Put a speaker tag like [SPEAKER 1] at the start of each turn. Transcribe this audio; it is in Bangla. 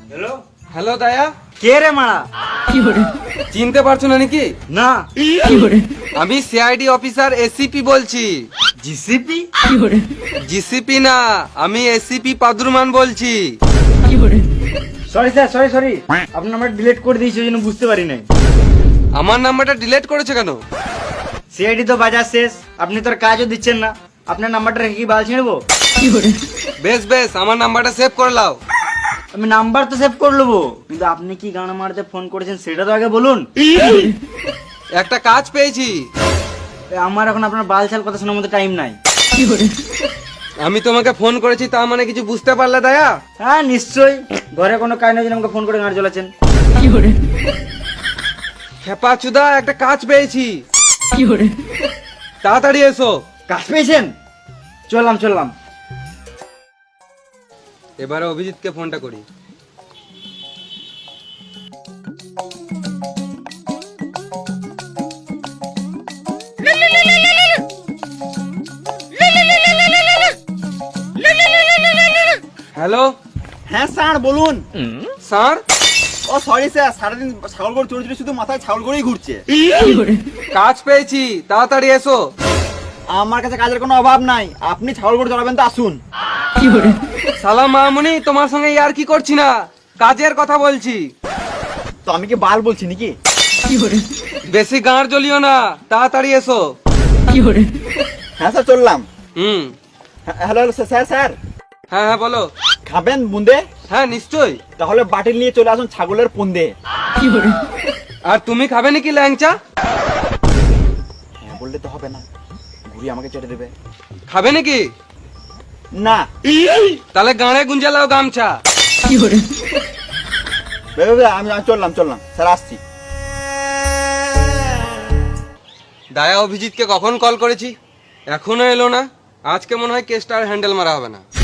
[SPEAKER 1] হ্যালো
[SPEAKER 2] হ্যালো দায়া,
[SPEAKER 1] কে রে মারা?
[SPEAKER 2] চিনতে পারছো না নাকি?
[SPEAKER 1] না
[SPEAKER 2] আমি সিআইডি অফিসার এসিপি বলছি।
[SPEAKER 1] জিসিপি?
[SPEAKER 2] জিসিপি না, আমি এসিপি পাদুরমান বলছি।
[SPEAKER 1] সরি স্যার, সরি আপনার নাম্বার ডিলিট করে দিয়েছি, ওই জন্য বুঝতে পারি নাই।
[SPEAKER 2] আমার নাম্বারটা ডিলিট করেছে কেন?
[SPEAKER 1] সিআইডি তো বাজার শেষ, আপনি তো আর কাজও দিচ্ছেন না, আপনার নাম্বারটা রেখে কি বাল ছিঁড়বো?
[SPEAKER 2] বেশ বেশ, আমার নাম্বারটা সেভ করে নাও।
[SPEAKER 1] আমি নাম্বার তো সেভ করে নেবো, কিন্তু আপনি কি গান মারতে ফোন করেছেন সেটা তো আগে বলুন।
[SPEAKER 2] একটা কাজ পেয়েছি।
[SPEAKER 1] আমার এখন আপনার বাল ছাল কথা শোনার মতো টাইম নাই।
[SPEAKER 2] আমি তোমাকে ফোন করেছি, তা মানে কিছু বুঝতে পারলে দায়া?
[SPEAKER 1] হ্যাঁ নিশ্চয়ই, ঘরে কোনো কাজ নেই আমাকে ফোন করে গান চলেছেন।
[SPEAKER 2] খেপা চুদা, একটা কাজ পেয়েছি, তাড়াতাড়ি এসো।
[SPEAKER 1] কাজ পেয়েছেন? চললাম।
[SPEAKER 2] এবারে অভিজিৎকে ফোনটা করি। হ্যালো
[SPEAKER 3] হ্যাঁ স্যার বলুন।
[SPEAKER 2] স্যার,
[SPEAKER 3] ও সরি স্যার, সারাদিন ছাগল গরু চড়ে শুধু মাথায় ছাগল গরুই ঘুরছে।
[SPEAKER 2] কাজ পেয়েছি, তাড়াতাড়ি এসো।
[SPEAKER 3] আমার কাছে কাজের কোনো অভাব নাই, আপনি ছাগল গরু চড়াবেন তো আসুন।
[SPEAKER 2] সালাম মামুনি, তোমার সঙ্গে আর কি করছি না, কাজের কথা বলছি।
[SPEAKER 3] তো আমি কি বাল বলছি নাকি?
[SPEAKER 2] বেশি গাঁড় জ্বলিও না, তাড়াতাড়ি এসো।
[SPEAKER 3] হ্যাঁ স্যার চললাম।
[SPEAKER 2] হুম,
[SPEAKER 3] হ্যালো স্যার স্যার,
[SPEAKER 2] হ্যাঁ হ্যাঁ বলো।
[SPEAKER 3] খাবেন বুন্দে?
[SPEAKER 2] হ্যাঁ নিশ্চয়ই।
[SPEAKER 3] তাহলে বাটিল নিয়ে চলে আসুন ছাগলের পুন্দে।
[SPEAKER 2] আর তুমি খাবে নাকি ল্যাংচা?
[SPEAKER 3] হ্যাঁ বললে তো হবে না, ঘুরি আমাকে চেটে দেবে।
[SPEAKER 2] খাবে নাকি?
[SPEAKER 3] না।
[SPEAKER 2] তাহলে গাঁড়ে গুঞ্জে লাও গামছা।
[SPEAKER 3] আমি চললাম স্যার, আসছি।
[SPEAKER 2] দায়া অভিজিৎকে কখন কল করেছি, এখনো এলো না। আজকে মনে হয় কেসটা আর হ্যান্ডেল মারা হবে না।